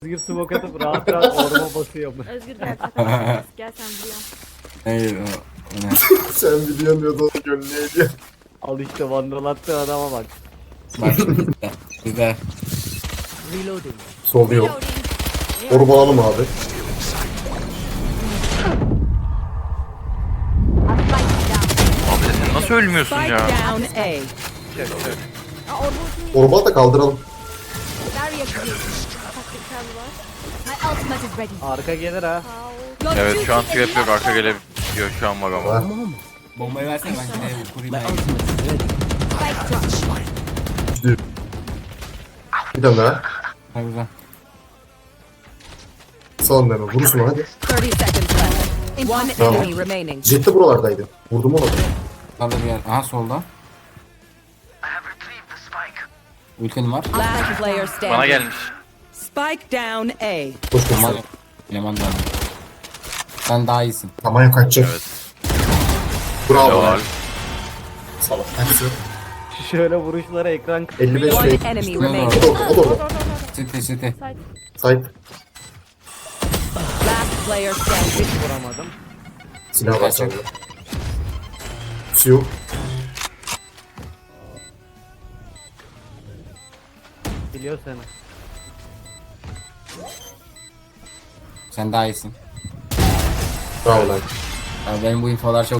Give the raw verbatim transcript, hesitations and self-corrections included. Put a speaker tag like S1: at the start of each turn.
S1: Özgür smoke atıp rahat rahat orma basıyor.
S2: Özgür gel takılma. Gel sen buraya.
S3: Hayır o, o ne?
S4: Sen biliyorsun diyordu onu gönlüne ediyor.
S1: Al işte vandal attığı adama bak.
S3: Bak şimdi bizde. Bizde.
S1: Reloading.
S4: Sol yok.
S2: Reloading.
S4: Orba alalım abi.
S2: I'll fight you down.
S5: Abi sen nasıl ölmüyorsun
S6: Spike
S5: ya?
S6: down A.
S2: Aa, orada ultimi
S4: Orba da kaldıralım.
S2: Barrier created. Taktikal var. My ultimate is ready.
S1: Arka gelir ha.
S2: How?
S5: Evet şu an trap yok, arka gelebiliyor şu an var ama.
S4: Ha.
S3: Bombayı versene ben yine kurayım. ben.
S2: Spike drop.
S4: Bir tane daha.
S3: Ha güzel.
S4: Sağ deme. Vurursun hadi.
S6: thirty seconds left. One
S4: Tamam.
S6: enemy remaining.
S4: Jet de buralardaydı. Vurdum onu.
S3: Sağda bir yer. Aha solda. Ultim var.
S6: Last player standing.
S5: Bana gelmiş.
S6: Spike down A.
S4: Koş koş.
S3: Eleman, eleman da var. Sen daha iyisin.
S4: Tamam yok kaçacak.
S5: Evet.
S4: Bravo.
S5: Helal.
S4: Salak. Hepsi.
S1: Şöyle vuruşlara ekran
S4: elli beş
S6: One
S4: şey.
S6: enemy
S4: O
S6: remaining.
S4: da orada. O da orada.
S3: Site site.
S2: Side.
S4: Sahip.
S6: Last player standing.
S1: vuramadım.
S4: Silah var sende. Su.
S1: Biliyor seni.
S3: Sen daha iyisin.
S4: Bravo lan.
S3: Yani benim bu infolar çok